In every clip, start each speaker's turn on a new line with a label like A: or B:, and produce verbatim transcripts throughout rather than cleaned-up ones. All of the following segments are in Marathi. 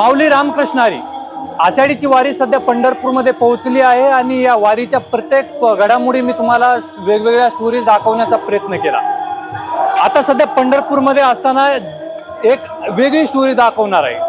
A: माऊली रामकृष्ण हरी. आषाढीची वारी सध्या पंढरपूरमध्ये पोहोचली आहे आणि या वारीच्या प्रत्येक घडामोडी मी तुम्हाला वेगवेगळ्या स्टोरीज दाखवण्याचा प्रयत्न केला. आता सध्या पंढरपूरमध्ये असताना एक वेगळी स्टोरी दाखवणार आहे.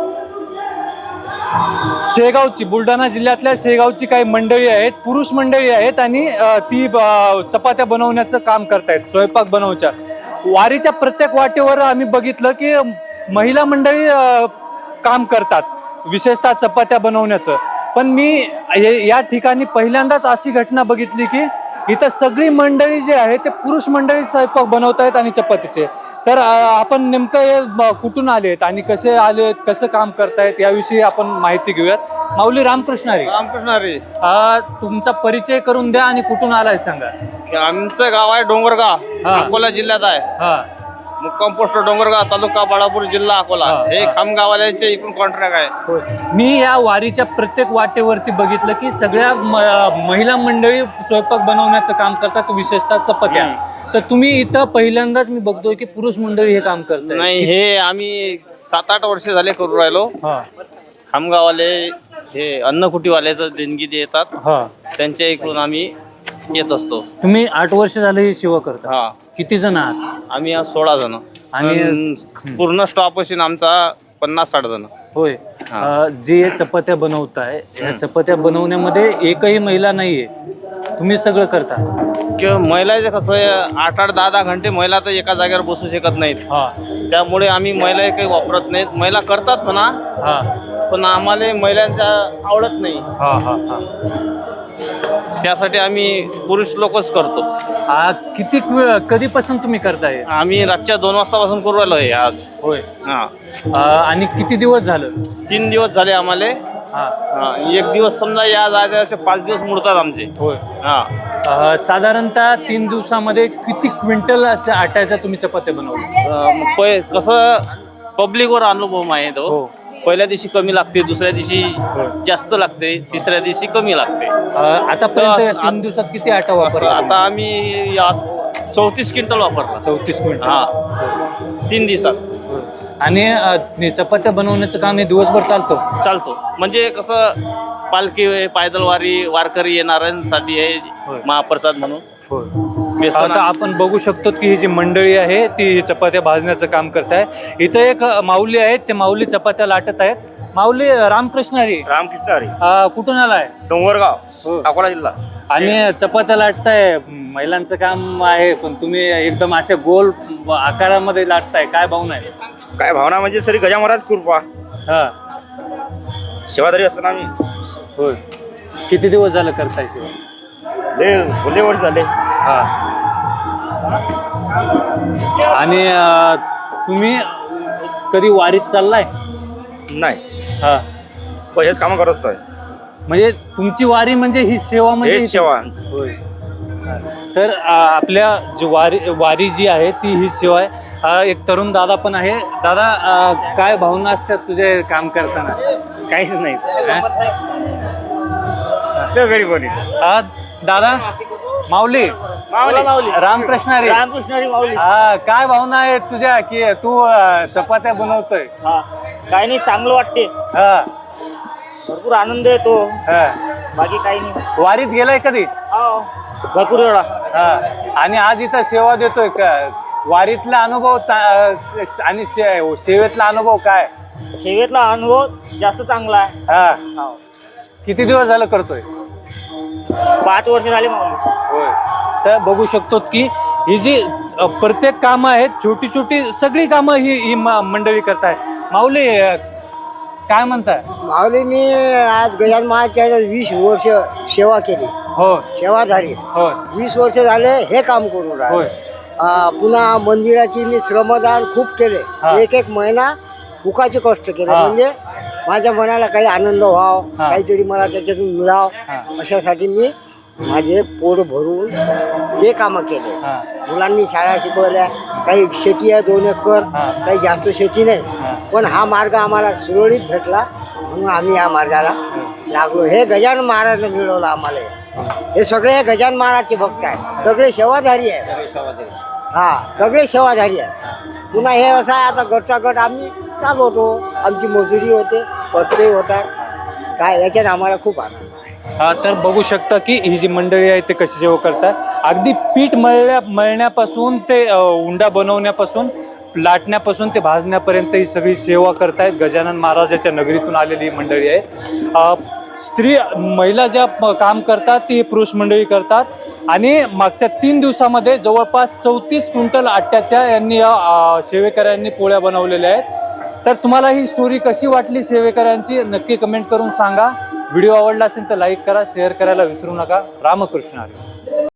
A: शेगावची, बुलढाणा जिल्ह्यातल्या शेगावची काही मंडळी आहेत, पुरुष मंडळी आहेत आणि ती चपात्या बनवण्याचं काम करतायत, स्वयंपाक बनवच्या. वारीच्या प्रत्येक वाटेवर आम्ही बघितलं की महिला मंडळी काम करतात, विशेषतः चपात्या बनवण्याचं. पण मी या ठिकाणी पहिल्यांदाच अशी घटना बघितली की इथं सगळी मंडळी जे आहे ते पुरुष मंडळी स्वयंपाक बनवत आहेत आणि चपातीचे. तर आपण नेमकं हे कुठून आलेत आणि कसे आलेत, कसं काम करतायत याविषयी आपण माहिती घेऊयात. माऊली रामकृष्ण हरी.
B: रामकृष्ण हरी.
A: तुमचा परिचय करून द्या आणि कुठून आलाय सांगा.
B: आमचं गाव आहे डोंगरगाव, अकोला जिल्ह्यात आहे.
A: हा,
B: मुक्काम पोस्ट डोंगरगाव, तालुका बाळापूर, जिल्हा अकोला. हे खामगाववाल्यांचे इकडून कॉन्ट्रॅक्ट आहे.
A: मी या वारीच्या प्रत्येक वाटेवरती बघितलं की सगळ्या महिला मंडळी स्वयंपाक बनवण्याचं काम करतात, विशेषतः चपात्या. तर तुम्ही इथं पहिल्यांदाच मी बघतोय की पुरुष मंडळी हे काम करतात.
B: नाही, हे आम्ही सात आठ वर्ष झाले करू राहिलो. खामगाववाले हे अन्नकुटीवाल्याचं देणगी देतात, त्यांच्या इकडून आम्ही येत असतो.
A: तुम्ही आठ वर्ष झाले ही सेवा करता.
B: हा.
A: किती जण आहात?
B: आम्ही आज सोळा जण आणि पूर्ण स्टॉप असून आमचा पन्नास साठ जण.
A: होय. जे चपात्या बनवताय, या चपात्या बनवण्यामध्ये एकही महिला नाहीये, तुम्ही सगळं करता.
B: किंवा महिलाचं कसं आहे, आठ आठ दहा दहा घंटे महिला तर एका जागेवर बसू शकत नाहीत. त्यामुळे आम्ही महिला काही वापरत नाहीत. महिला करतात म्हणा, पण आम्हाला महिलांचा आवडत नाही. त्यासाठी आम्ही पुरुष लोकच करतो.
A: किती कधीपासून तुम्ही करताय?
B: आम्ही रातच्या दोन वाजतापासून करू राहिलो आहे आज.
A: होय.
B: हा.
A: आणि किती दिवस झालं?
B: तीन दिवस झाले आम्हाला. एक दिवस समजा या जायचे असे पाच दिवस मुडतात आमचे.
A: होय.
B: हा.
A: साधारणतः तीन दिवसामध्ये किती क्विंटल आट्याच्या तुम्ही चपात्या बनवल्या?
B: कसं पब्लिकवर अनुभव आहे तो. पहिल्या दिवशी कमी लागते, दुसऱ्या दिवशी जास्त लागते, तिसऱ्या दिवशी कमी लागते.
A: आतापर्यंत तीन दिवसात किती आटा वापरला?
B: आता आम्ही चौतीस क्विंटल वापरला.
A: चौतीस क्विंटल
B: हा, तीन दिवसात.
A: आणि चपात्या बनवण्याचं काम हे दिवसभर चालतो
B: चालतो म्हणजे कसं पालखी, पायदल वारी, वारकरी येणाऱ्यांसाठी आहे महाप्रसाद म्हणून.
A: आता आपण बघू शकतो की ही जी मंडळी आहे ती चपात्या भाजण्याचं काम करत आहे. इथं एक माऊली आहेत, ते माऊली चपात्या लाटत आहेत. माऊली रामकृष्ण हरी.
B: रामकृष्ण हरी.
A: कुठून आलाय?
B: डोंगरगाव, अकोला जिल्हा.
A: आणि चपात्या लाटताय, महिलांचं काम आहे, पण तुम्ही एकदम अशा गोल आकारामध्ये लाटताय, काय भावना आहे?
B: काय भावना म्हणजे सरी गजा महाराज कृपा.
A: हा,
B: सेवादारी असताना आम्ही.
A: होय. किती दिवस झालं करताय सेवा?
B: लय वर्ष झाले.
A: हा. आणि तुम्ही कधी वारीत चाललाय?
B: नाही.
A: हा.
B: हेच काम करत असतोय.
A: म्हणजे तुमची वारी म्हणजे ही सेवा, म्हणजे
B: सेवा.
A: होय. तर आपल्या जी वारी वारी जी आहे ती ही सेवा आहे. एक तरुण दादा पण आहे. दादा, काय भावना असतात तुझे काम करताना?
B: काहीच नाही.
A: हा दादा, माऊली रामकृष्ण हरी.
C: रामकृष्ण हरी. माऊली.
A: हा, काय भावना आहेत तुझ्या की तू चपात्या बनवतोय?
C: हा, काही नाही, चांगलं वाटते.
A: हा,
C: भरपूर आनंद येतो.
A: हा.
C: बाकी काही नाही.
A: वारीत गेलाय कधी?
C: भरपूर वेळा.
A: हा. आणि आज इथं सेवा देतोय का? वारीतला अनुभव आणि सेवेतला अनुभव काय?
C: सेवेतला अनुभव जास्त चांगला आहे.
A: हा. किती दिवस झालं करतोय?
C: पाच वर्ष झाले माऊली.
A: होय. तर बघू शकतो की ही जी प्रत्येक कामं आहेत, छोटी छोटी सगळी कामं ही ही मंडळी करताय. माऊली, काय म्हणताय?
D: माऊली, मी आज गजानन महाराजच्या वीस वर्ष सेवा केली.
A: हो.
D: सेवा झाली.
A: हो.
D: वीस वर्ष झाले हे काम करून राहिले. पुन्हा मंदिराची मी श्रमदान खूप केले. एक एक महिना भुकाचे कष्ट केले, म्हणजे माझ्या मनाला काही आनंद व्हाव, काहीतरी मला त्याच्यातून मिळाव, अशासाठी मी माझे पोट भरून ते कामं केले. मुलांनी शाळा शिकवल्या, काही शेती आहे दोन एकर, काही जास्त शेती नाही, पण हा मार्ग आम्हाला सुरळीत भेटला म्हणून आम्ही या मार्गाला लागलो. हे गजानन महाराजने मिळवलं आम्हाला. हे सगळे गजानन महाराजचे भक्त आहेत, सगळे सेवाधारी आहे. हा, सगळे सेवाधारी आहे. पुन्हा हे असं आहे, आता गटचा गट आम्ही चालवतो. आमची मजुरी होते, पत्ते होतात. काय याच्यात आम्हाला खूप आनंद आहे.
A: हा, तर बघू शकता की ही जी मंडळी आहे ते कशी सेवा करतात. अगदी पीठ मळल्या मळण्यापासून ते अ, उंडा बनवण्यापासून, लाटण्यापासून ते भाजण्यापर्यंत ही सगळी सेवा करतायत. गजानन महाराजाच्या नगरीतून आलेली ही मंडळी आहे. अ, स्त्री महिला ज्या प- काम करतात ती पुरुष मंडळी करतात. आणि मागच्या तीन दिवसामध्ये जवळपास चौतीस क्विंटल आट्याच्या यांनी या अ, सेवेकऱ्यांनी पोळ्या बनवलेल्या आहेत. तर तुम्हाला ही स्टोरी कशी वाटली सेवेकऱ्यांची नक्की कमेंट करून सांगा. व्हिडिओ आवडला असेल तर लाईक करा, शेअर करायला विसरू नका. रामकृष्ण हरी.